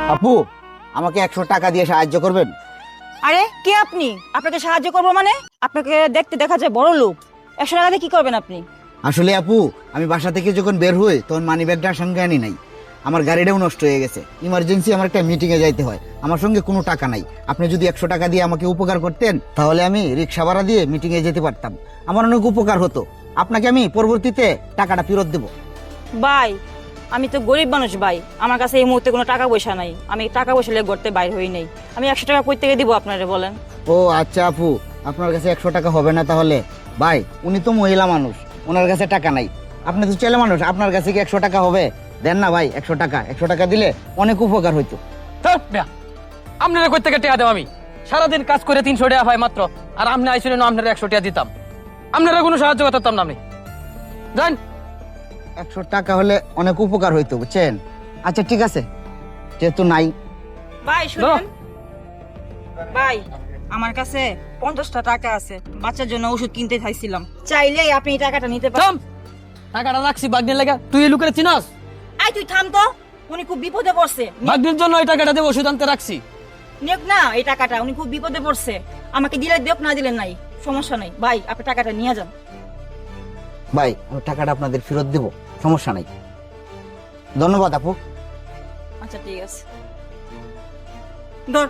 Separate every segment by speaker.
Speaker 1: আপু, আমাকে 100 টাকা দিয়ে সাহায্য করবেন?
Speaker 2: আরে কে আপনি? আপনাকে সাহায্য করবো মানে? আপনাকে দেখতে দেখা যায় বড় লোক। 100 টাকা দিয়ে কি করবেন আপনি?
Speaker 1: আসলে আপু, আমি বাসা থেকে যখন বের হই তখন মানি ব্যাগটা সঙ্গে আনি নাই। আমার গাড়িটাও নষ্ট হয়ে গেছে। ইমার্জেন্সি আমার একটা মিটিং এ যাইতে হয়, আমার সঙ্গে কোনো টাকা নাই। আপনি যদি 100 টাকা দিয়ে আমাকে উপকার করতেন তাহলে আমি রিক্সা ভাড়া দিয়ে মিটিং এ যেতে পারতাম, আমার অনেক উপকার হতো। আপনাকে আমি পরবর্তীতে টাকাটা ফেরত দেবো।
Speaker 2: ভাই, আমি তো গরিব মানুষ ভাই, আমার কাছে এই মুহূর্তে কোনো টাকা পয়সা নাই। আমি টাকা পয়সা লেগে ঘরতে বাইর হই নাই। আমি 100 টাকা কই থেকে দিব আপনারে বলেন?
Speaker 1: ও আচ্ছা আপু, আপনার কাছে 100 টাকা হবে না তাহলে? ভাই, উনি তো মহিলা মানুষ, ওনার কাছে টাকা নাই। আপনি তো ছেলে মানুষ, আপনার কাছে কি 100 টাকা হবে? দেন না ভাই 100 টাকা। 100 টাকা দিলে অনেক উপকার হইতো।
Speaker 3: আপনারা কই থেকে টাকা দেব? আমি সারাদিন কাজ করে 300 টাকা পাই মাত্র, আর আপনি আইছিলেন আপনারা 100 টাকা দিতাম। আপনারা কোনো সাহায্য করতাম না। আপনি জান
Speaker 1: 100 টাকা হলে অনেক উপকার হইতো, বুঝছেন? আচ্ছা ঠিক আছে, যেহেতু নাই।
Speaker 2: ভাই শুনুন ভাই, আমার কাছে 50টা টাকা আছে, বাচ্চার জন্য ওষুধ কিনতে চাইছিলাম। চাইলেই আপনি এই টাকাটা নিতে পারেন।
Speaker 3: থাম, টাকাটা রাখছি বাগনের লাগা। তুই এই লোকের চিনাস?
Speaker 2: আই তুই থাম তো, উনি খুব বিপদে পড়ছে।
Speaker 3: বাগনের জন্য এই টাকাটা দেব, ওষুধ আনতে রাখছি।
Speaker 2: নেক না এই টাকাটা, উনি খুব বিপদে পড়ছে। আমাকে দিলে দেব, না দিলেন নাই, সমস্যা নাই। ভাই আপনি টাকাটা নিয়ে যান।
Speaker 1: ভাই, আমি টাকাটা আপনাদের ফেরত দেব, সমস্যা নাই। ধন্যবাদ আপু।
Speaker 2: আচ্ছা ঠিক আছে, ধর।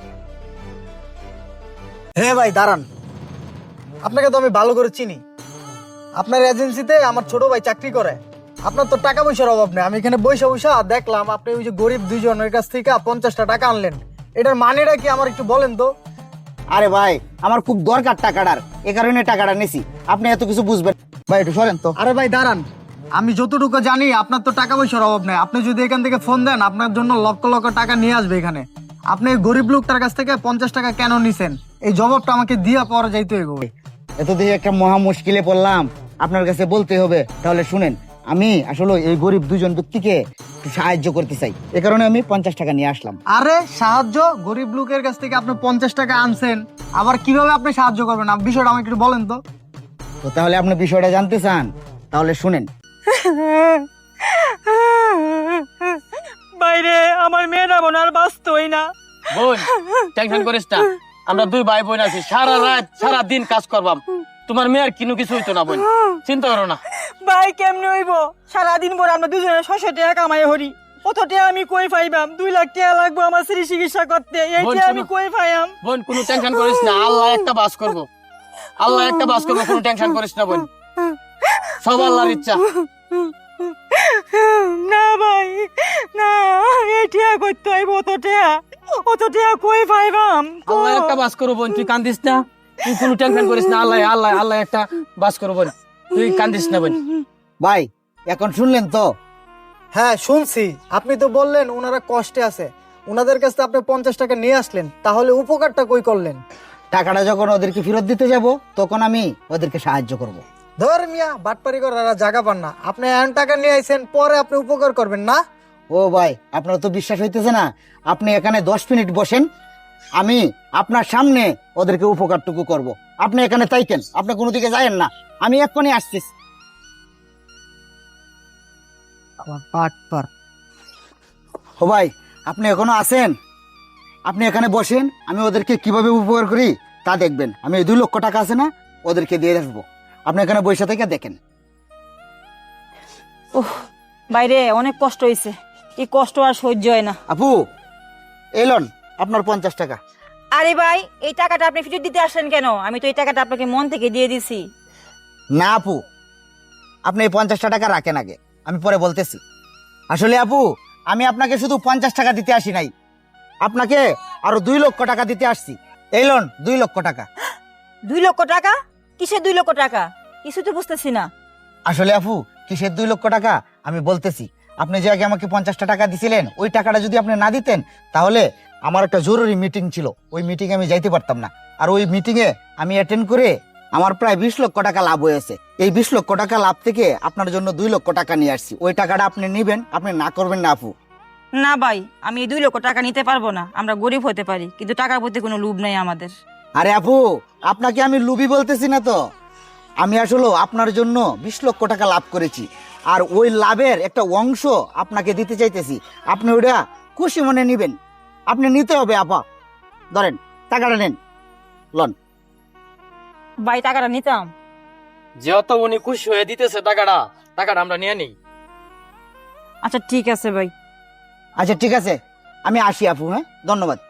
Speaker 4: হ্যাঁ ভাই দাঁড়ান, আপনাকে তো আমি ভালো করে চিনি। আপনার এজেন্সিতে আমার ছোট ভাই চাকরি করে। আপনার তো টাকা পয়সার অভাব নেই। আমি এখানে বৈশা বৈশা দেখলাম আপনি ওই যে গরিব দুইজনের কাছ থেকে 50টা টাকা আনলেন। এটার মানেটা কি আমার একটু বলেন তো?
Speaker 1: আরে ভাই, আমার খুব দরকার টাকাটার, এ কারণে টাকাটা নিছি। আপনি এত কিছু বুঝবেন? ভাই একটু সরেন তো।
Speaker 4: আরে ভাই দাঁড়ান, আমি যতটুকু জানি আপনার তো টাকা পয়সার অভাব নেই। আপনি যদি এখান থেকে ফোন দেন, আপনার জন্য লক্ষ লক্ষ টাকা নিয়ে আসবে এখানে। আপনি এই গরিব লোকটার কাছ থেকে 50 টাকা কেন নিছেন? এই জবাবটা আমাকে দিয়ে পরে যাইতে হবে।
Speaker 1: এত দিয়ে একটা মহা মুশকিলে পড়লাম, আপনার কাছে বলতে হবে। তাহলে শুনেন, আমি আসলে এই গরিব দুজন ব্যক্তিকে একটু সাহায্য করতে চাই, এ কারণে আমি 50 টাকা নিয়ে আসলাম।
Speaker 4: আরে সাহায্য? গরিব লোকের কাছ থেকে আপনি 50 টাকা আনছেন, আবার কিভাবে আপনি সাহায্য করবেন? বিষয়টা আমাকে একটু বলেন তো।
Speaker 1: তো তাহলে আপনি বিষয়টা জানতে চান, তাহলে শুনেন।
Speaker 2: বাইরে আমার মেয়েরা বোন আর বাঁচতই না।
Speaker 3: বোন, টেনশন করিস না। আমরা দুই ভাই বোন আছি, সারা রাত সারা দিন কাজ করবাম। তোমার মেয়ের কিনু কিছু হইতো না বোন, চিন্তা করো না।
Speaker 2: ভাই কেমনে হইব? সারাদিন পর আমরা দুজনে 600 টাকা কামাই হরি। কত টাকা আমি কই পাইবাম? 2 লাখ টাকা লাগবে আমার স্ত্রী চিকিৎসা করতে। এই
Speaker 3: বোন,
Speaker 2: টাকা আমি
Speaker 3: শোনো।
Speaker 2: কই পাইয়াম?
Speaker 3: বোন কোনো টেনশন করিস না, আল্লাহ একটা বাস করবো। আল্লাহ একটা বাস করবো, কোনো টেনশন করিস না বোন। সব আল্লাহর ইচ্ছা।
Speaker 2: না ভাই না, এই টাকা করতে হইব। অত টাকা কই পাইবাম?
Speaker 3: আল্লাহ একটা বাস করবো বোন, তুই কান্দিস না। তুই কোনো টেনশন করিস না, আল্লাহ আল্লাহ আল্লাহ একটা বাস করবো বোন, তুই কান্দিস না বোন।
Speaker 1: ভাই, এখন শুনলেন তো?
Speaker 4: হ্যাঁ শুনছি, আপনি তো বললেন ওনারা কষ্টে আছে, ওনাদের কাছে আপনি 50 টাকা নিয়ে আসলেন, তাহলে উপকারটা কই করলেন?
Speaker 1: টাকাটা যখন ওদেরকে ফেরত দিতে যাব তখন আমি ওদেরকে সাহায্য করব।
Speaker 4: ধর মিয়া, বাটপারি করার জায়গা পান না। আপনি এমন টাকা নিয়ে আইছেন, পরে আপনি উপকার করবেন না?
Speaker 1: ও ভাই, আপনার তো বিশ্বাস হইতেছে না। আপনি এখানে 10 মিনিট বসেন, আমি আপনার সামনে ওদেরকে উপকারটুকু করব। আপনি এখানে তাইকেন, আপনি কোনো দিকে যায়েন না, আমি এক্ষুনি আসতেছি।
Speaker 4: বাটপার।
Speaker 1: ও ভাই, আপনি এখনো আছেন? আপনি এখানে বসেন, আমি ওদেরকে কিভাবে উপকার করি তা দেখবেন। আমি এই 2 লক্ষ টাকা আছে না, ওদেরকে দিয়ে আসবো। আপনি এখানে বসে থেকে দেখেন।
Speaker 2: উফ, বাইরে অনেক কষ্ট হইছে। এই কষ্ট আর সহ্য হয় না।
Speaker 1: আপু, এলন আপনার 50 টাকা।
Speaker 2: আরে ভাই, এই টাকাটা আপনি ফেরত দিতে আসলেন কেন? আমি তো এই টাকাটা আপনাকে মন থেকে দিয়ে দিছি।
Speaker 1: না আপু, আপনি এই 50 টাকা রাখেন আগে, আমি পরে বলতেছি। আসলে আপু, আমি আপনাকে শুধু 50 টাকা দিতে আসি নাই, আপনাকে আরো 2 লক্ষ টাকা দিতে আসছি। এই লোন 2 লক্ষ টাকা।
Speaker 2: 2 লক্ষ টাকা? কিসের 2 লক্ষ টাকা? কিছু তো বুঝতেছি না।
Speaker 1: আসলে আপু, কিসের 2 লক্ষ টাকা আমি বলতেছি। আপনি যে আগে আমাকে 50টা টাকা দিছিলেন, ওই টাকাটা যদি আপনি না দিতেন তাহলে আমার একটা জরুরি মিটিং ছিল, ওই মিটিংয়ে আমি যাইতে পারতাম না। আর ওই মিটিংয়ে আমি অ্যাটেন্ড করে আমার প্রায় 20 লক্ষ টাকা লাভ হয়েছে। এই 20 লক্ষ টাকা লাভ থেকে আপনার জন্য 2 লক্ষ টাকা নিয়ে আসছি। ওই টাকাটা আপনি নিবেন, আপনি না করবেন না আপু?
Speaker 2: না ভাই, আমি এই 2 লক্ষ টাকা নিতে পারবো না। আমরা গরিব হতে পারি, কিন্তু টাকার প্রতি কোনো লোভ নেই আমাদের।
Speaker 1: আরে আপু, আপনাকে আমি লুবি বলতেছি না তো। আমি আসলে আপনার জন্য 20 লক্ষ টাকা লাভ করেছি, আর ওই লাভের একটা অংশ আপনাকে দিতে চাইতেছি। আপনি ওটা খুশি মনে নিবেন। আপনি নিতে হবে আপা, ধরেন টাকাটা নেন, লন।
Speaker 2: ভাই টাকাটা নিতাম।
Speaker 3: যেহেতু উনি খুশি হয়ে দিতেছে টাকাটা আমরা নিয়ে নিই।
Speaker 2: আচ্ছা ঠিক আছে ভাই।
Speaker 1: আচ্ছা ঠিক আছে, আমি আসি আপু, হ্যাঁ, ধন্যবাদ।